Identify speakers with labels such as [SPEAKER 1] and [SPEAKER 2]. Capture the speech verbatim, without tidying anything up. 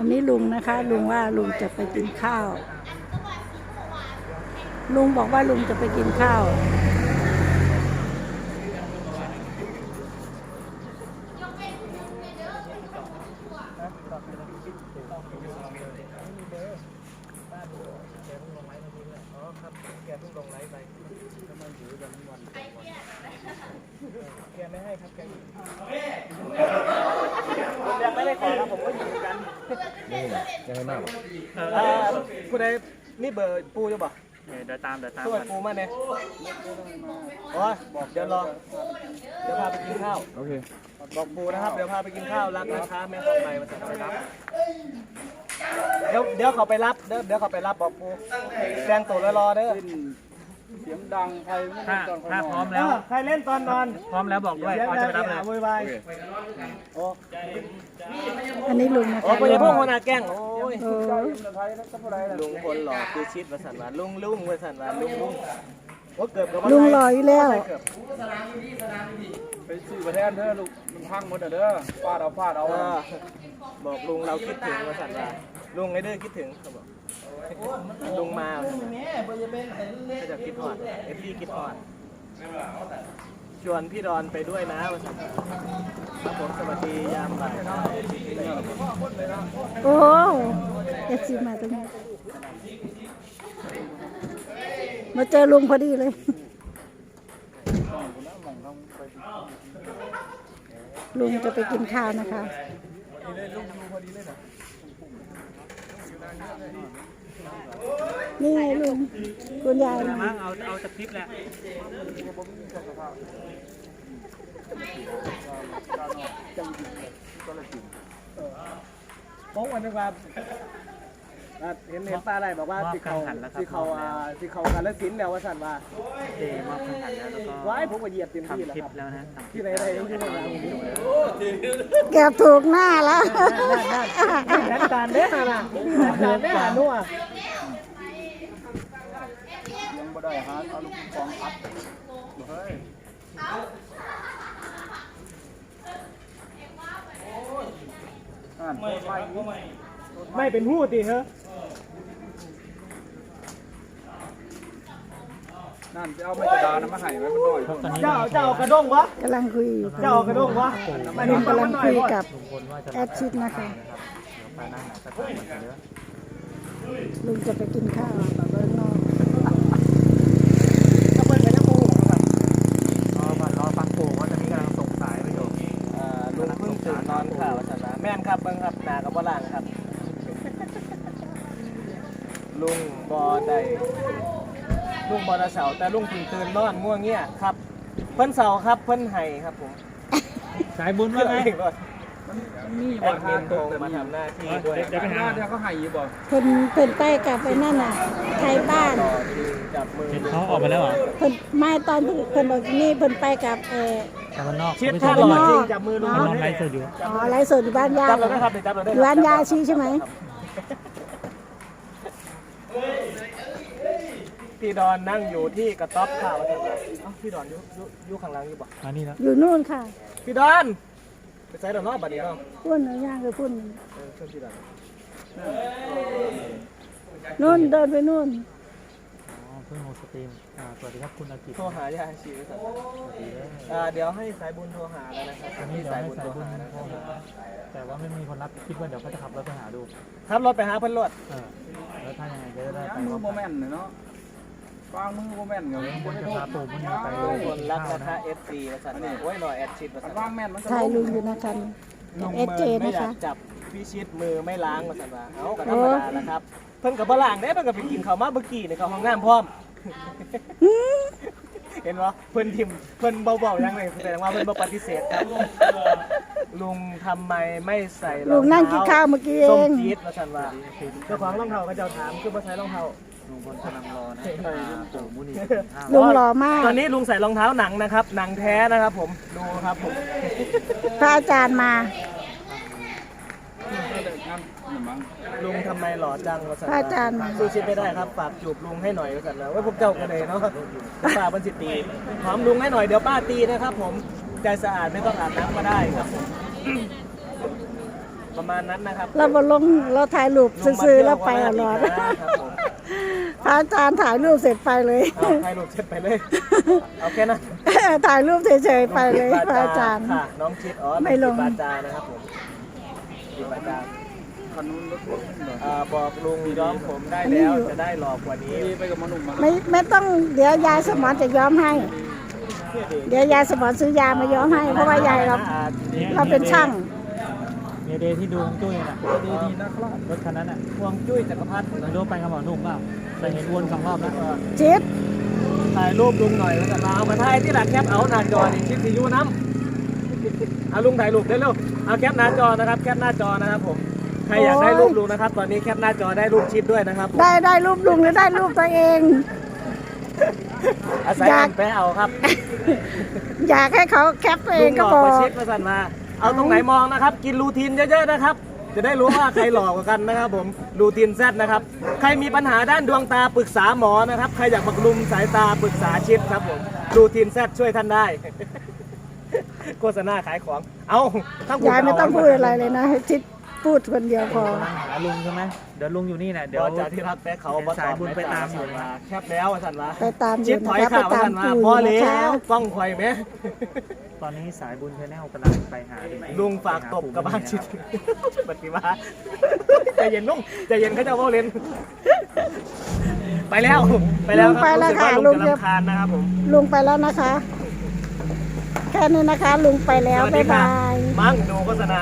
[SPEAKER 1] อันนี้ลุงนะคะลุงว่าลุงจะไปกินข้าวลุงบอกว่าลุงจะไปกินข้าว
[SPEAKER 2] แกไม่ให้ครับแกยังไม่ได้ขอครับผมก็อยู่กันนี่ยังไม่มากผู้ใดนี่เบอร์ปูจะบอกเดี๋ยวตามเดี๋ยวตามช่วยปูมาเนี่ยโอ้ยบอกเดี๋ยวรอเดี๋ยวพาไปกินข้าวโอเคบอกปูนะครับเดี๋ยวพาไปกินข้าวรักนะคะแม่ของใบมาจะไปรับเดี๋ยวเดี๋ยวเขาไปรับเดี๋ยวเดี๋ยวเขาไปรับบอกปูแซงตัวรอเด้อ
[SPEAKER 3] เสียงดังใครไม่ได้ตอน
[SPEAKER 2] ถ้าพร้อมแล้วใครเล่นตอนนอนพร้อมแล้วบอกด้วยเขาจะไปรับเลยโวยวายโอ้
[SPEAKER 1] อันนี้ลุงนะคะ
[SPEAKER 2] โอ้ยพวกคนอาแกล้งโอ้ย
[SPEAKER 1] เออ
[SPEAKER 2] ลุงคนหล่อคือชิดมาสั่นว่าลุงลุงมาสั่นว่าลุงลุงโอ้เกือบกับ
[SPEAKER 1] ลุงรออยู่แล้ว
[SPEAKER 3] ไปซื้อประเทศเด้อลูกมันพังหมดเด้อฟาดเอาฟาดเอา
[SPEAKER 2] บอกลุงเราคิดถึงมาสั่นว่าลุงไอ้เด้อคิดถึงเขาบอกลุงมาก็จะคิดฮอดเอฟพี่คิดฮอดชวนพี่ดอนไปด้วยนะมาสั่นครับผมสวัสดียามบ่าย
[SPEAKER 1] โอ้เอฟซีมาตรงนี้มาเจอลุงพอดีเลยลุงจะไปกินข้าวนะคะนี่ไงลุงคุณยายนะ
[SPEAKER 2] มั้งเอาเอาจากคลิปแหละโป๊ะวันนึงว่าเห็นเห็นป้าอะไรบอกว่าที่เขาที่เขาที่เขาการละสินแล้วว่าสั่นว่าเจมอบขันแล้วแล้วก็ว้ายผมก็เหยียบเต็มที่แล้วครับที่ไหนไหนที่ไหน
[SPEAKER 1] แกถูกหน้าแล้ว
[SPEAKER 2] นัดการเด้อนะนัดการเด้อนัว
[SPEAKER 3] ยังบ่ได้ฮะเอาลูกฟองอัดเฮ้ย
[SPEAKER 2] ไม่เป็นหู้ติเหรอ
[SPEAKER 3] นั่นจะเอาไม่กระดานมาให้ไว้มันหน่อย
[SPEAKER 2] เจ้าเจ้ากระด้งวะ
[SPEAKER 1] กำลังคุยอยู่
[SPEAKER 2] เจ้ากระด้งวะ
[SPEAKER 1] ลุงกำลังคุยกับแอดชิดนะคะลุงจะไปกินข้าวต่อเดินนอก
[SPEAKER 2] ก็เปิดไปยังปูครับรอก่อนรอฟังปูว่าจะมีกำลังส่งสายไปอยู่ลุงเพิ่งตื่นนอนค่ะวัชระแม่นครับเบิ้งครับนากับบ่ล่างครับลุงบอได้ลุงบอดาเสาแต่ลุงตื่นตื่นนอนง่วงเงี้ยครับเพิ่นเสาครับเพิ่นไห้ครับผมสายบุญว่าไงแอดมินโทรมาทำหน้าที่ด้วย
[SPEAKER 3] เดี๋ยวไปหาเดี๋ยวเขาให้อยู่บ่
[SPEAKER 1] เพิ่นเพิ่นไปกับไปนั่นน่ะไทยบ้าน
[SPEAKER 2] จับมือ
[SPEAKER 4] เขาออกไปแล้วเหรอ
[SPEAKER 1] เพิ่นไม่ตอนเพิ่นออกนี่เพิ่นไปกับเออ
[SPEAKER 4] ตะวันนอก
[SPEAKER 2] ชิดท่าหล่อจริงจับมือลุง
[SPEAKER 4] นอนไลฟ์สดอยู่
[SPEAKER 1] อ๋อไลฟ์สดอยู่บ้านยา
[SPEAKER 2] จับเราได้ครับจับเราได้
[SPEAKER 1] อยู่บ้านยาชี้ใช่ไหม
[SPEAKER 2] พี่ดอนนั่งอยู่ที่กระต๊อบข้าวเอ้าพี่ดอนอยู่อยู่ข้างหลังอยู่บ่
[SPEAKER 4] มานี่แล้ว
[SPEAKER 1] อยู่นู่นค่ะ
[SPEAKER 2] พี่ดอนไปใส่ดอกนอกบัดนี้เนาะ
[SPEAKER 1] พุ่นเนาะย่างคือพุ่น
[SPEAKER 2] เออเชิญพี่ดอน
[SPEAKER 1] นู่นเดินไปนู่น
[SPEAKER 4] อ๋อเพิ่งโฮสตรีมอ่าสวัสดีครับคุณอากิ
[SPEAKER 2] โทรหายาชีวิตสัตว์อ่าเดี๋ยวให้สายบุญโทรหาแล้วนะครับ
[SPEAKER 4] อันนี้เดี๋ยวให้สายบุญโทรหาแต่ว่าไม่มีคนรับคิดว่าเดี๋ยวเขาจะขับรถไปหาดู
[SPEAKER 2] ขับรถไปหาเพิ่นรถ
[SPEAKER 4] เออแล้วถ้ายังไงจะได้ไป
[SPEAKER 3] มือโมเมนต์เนาะฟางมือโมเมนต์เงี้ย
[SPEAKER 4] คนจะพาปู่มันไป
[SPEAKER 2] คนรักนะคะ เอฟ ซี ประสานนี่โอ้ยหน่อยแอดชิดประสาน
[SPEAKER 3] ฟางแม่นมัน
[SPEAKER 1] ถ่ายลุงอยู่นะคะเอสเจนะคะ
[SPEAKER 2] จับพี่ชิดมือไม่ล้างประสานว่าเอาก็ธรรมดานะครับเพิ่นกับบ่ล้างเด้เพิ่นก็ไปกินข้าวมาเมื่อกี้ในเข้าห้องน้ำพร้อมเห็นบ่เพิ่นทิมเพิ่นเบาๆยังไงแสดงว่าเพิ่นบ่ปฏิเสธครับลุงทำไมไม่ใส่รองเท้า
[SPEAKER 1] ลุงนั่งกินข้าวเมื่อกี้เอง
[SPEAKER 2] ส้มจี๊ดประสานว่าเจ้าของรองเท้าก็เจ้าถามคือบ่ใส่รองเท้า
[SPEAKER 4] ลุงพลกำลังรอนะปู่มุนี
[SPEAKER 1] ลุงหล่อมาก
[SPEAKER 2] ตอนนี้ลุงใส่รองเท้าหนังนะครับหนังแท้นะครับผมดูครับผม
[SPEAKER 1] พระอาจารย์มา
[SPEAKER 2] ลุงทำไมหล่อจังวะสัน
[SPEAKER 1] พระอาจารย์มา
[SPEAKER 2] สู้ชิดไม่ได้ครับฝากจูบลุงให้หน่อยกันแล้วว่าพวกเจ้ากันเลยเนาะป้าบันสิตีหอมลุงให้หน่อยเดี๋ยวป้าตีนะครับผมใจสะอาดไม่ต้องอาบน้ำก็ได้ครับผมประมาณนั้นนะครับ
[SPEAKER 1] เราบลงเราถ่ายรูปซื้อๆแล้วไปตลอด
[SPEAKER 2] ครับผม
[SPEAKER 1] พระอาจารย์ถ่ายรูปเสร็จไปเลย
[SPEAKER 2] เอาให้ลูกเช็ดไปเลยเอาแค่นั้น
[SPEAKER 1] ถ่ายรูปเฉยๆไปเลยพระอาจารย์
[SPEAKER 2] ค่ะน้องชิดอ๋อ
[SPEAKER 1] ไม่ลง
[SPEAKER 2] บาจานะครับผมปิดบาจา
[SPEAKER 3] คันนู้นรถรถขึ้นหน่อย
[SPEAKER 2] อ่าบอกลุงย้อมผมได้แล้วจะได้หลอกกว่านี้
[SPEAKER 3] นี่ไปกับหมอหนุ่มมา
[SPEAKER 1] ไม่ไม่ต้องเดี๋ยวยายสมอนจะย้อมให้ เดี๋ยวยายสมอนซื้อยามาย้อมให้เพราะว่ายายเราเราเป็นช่าง
[SPEAKER 4] เมเดย์ที่ดูฮวงจุ้ยน่ะ
[SPEAKER 3] ดีดีนะครับ
[SPEAKER 4] รถคันนั้นน่ะ
[SPEAKER 2] พวงจุ้ยจักรพรรดิ
[SPEAKER 4] ไม่รู้ไปกับหมอหนุ่มเปล่าแต่เห็นวนสองรอบแล้ว
[SPEAKER 1] ชิด
[SPEAKER 2] ถ่ายรูปลุงหน่อยแล้วกันมาเอามาถ่ายที่หลังแคปเอาหน้าจอนี่ชิดสียูน้ำเอาลุงถ่ายรูปได้เร็วเอาแคปหน้าจอนะครับแคปหน้าจอนะครับผมใครอยากได้รูปลุงนะครับ ตอนนี้แคปหน้าจอได้รูปชิดด้วยนะครับผม
[SPEAKER 1] ได้ได้รูปลุงหรือได้รูปตัวเอง
[SPEAKER 2] อาศัย
[SPEAKER 1] อยาก
[SPEAKER 2] อันไปเอาครับ
[SPEAKER 1] อยากให้เขาแคปตัวเองก็
[SPEAKER 2] ลุงหล
[SPEAKER 1] บอก
[SPEAKER 2] มาชิดมาสั่นมา เอาตรงไหนมองนะครับ กินรูทีนเยอะๆนะครับ จะได้รู้ว่าใครหลอกกว่ากันนะครับผมรูทีนแซดนะครับใครมีปัญหาด้านดวงตาปรึกษาหมอนะครับใครอยากบำรุงสายตาปรึกษาชิดครับผมรูทีนแซดช่วยท่านได้ โฆษณาขายของเอาทั้งคุณ
[SPEAKER 1] ยายไม่ต้องพูดอะไรเลยนะให้ชิดพูดคนเดียวพอ
[SPEAKER 4] กำลังหาลุงใช่ไหมเดี๋ยวลุงอยู่นี่แหละเดี๋
[SPEAKER 2] เดี๋
[SPEAKER 4] ย
[SPEAKER 2] ยว วจะที่รักแป๊กเขาบอ
[SPEAKER 4] สายบุญไปตามอยู่
[SPEAKER 2] มาแคบแล้วสั่นมา
[SPEAKER 1] ไปตามอ
[SPEAKER 2] ชิ
[SPEAKER 1] ยู่
[SPEAKER 2] ดถ
[SPEAKER 1] นะ
[SPEAKER 2] อย
[SPEAKER 1] คะไป
[SPEAKER 2] ข่าว
[SPEAKER 1] ตาม
[SPEAKER 2] สั่นมา
[SPEAKER 1] ปู่
[SPEAKER 2] พอ
[SPEAKER 1] นะ
[SPEAKER 2] แล้
[SPEAKER 1] คะ
[SPEAKER 2] วกล้องคอยไหม
[SPEAKER 4] ตอนนี้สายบุญชาแนลกำลังไปหา
[SPEAKER 2] ลุงฝากตบกับบ้านชิดปฏิวัติใจเย็นลุงใจเย็นเขาจะว่าเล่นไปแล้วไปแล้วครับรู้สึกว่าลุงจะรำคาญนะครับผม
[SPEAKER 1] ลุงไปแล้วนะคะ แค่นี้นะคะ ลุงไปแล้ว
[SPEAKER 2] สวัสดี
[SPEAKER 1] บ๊าย
[SPEAKER 2] ค่ะ
[SPEAKER 1] บาย
[SPEAKER 2] มั่งดูโฆษณา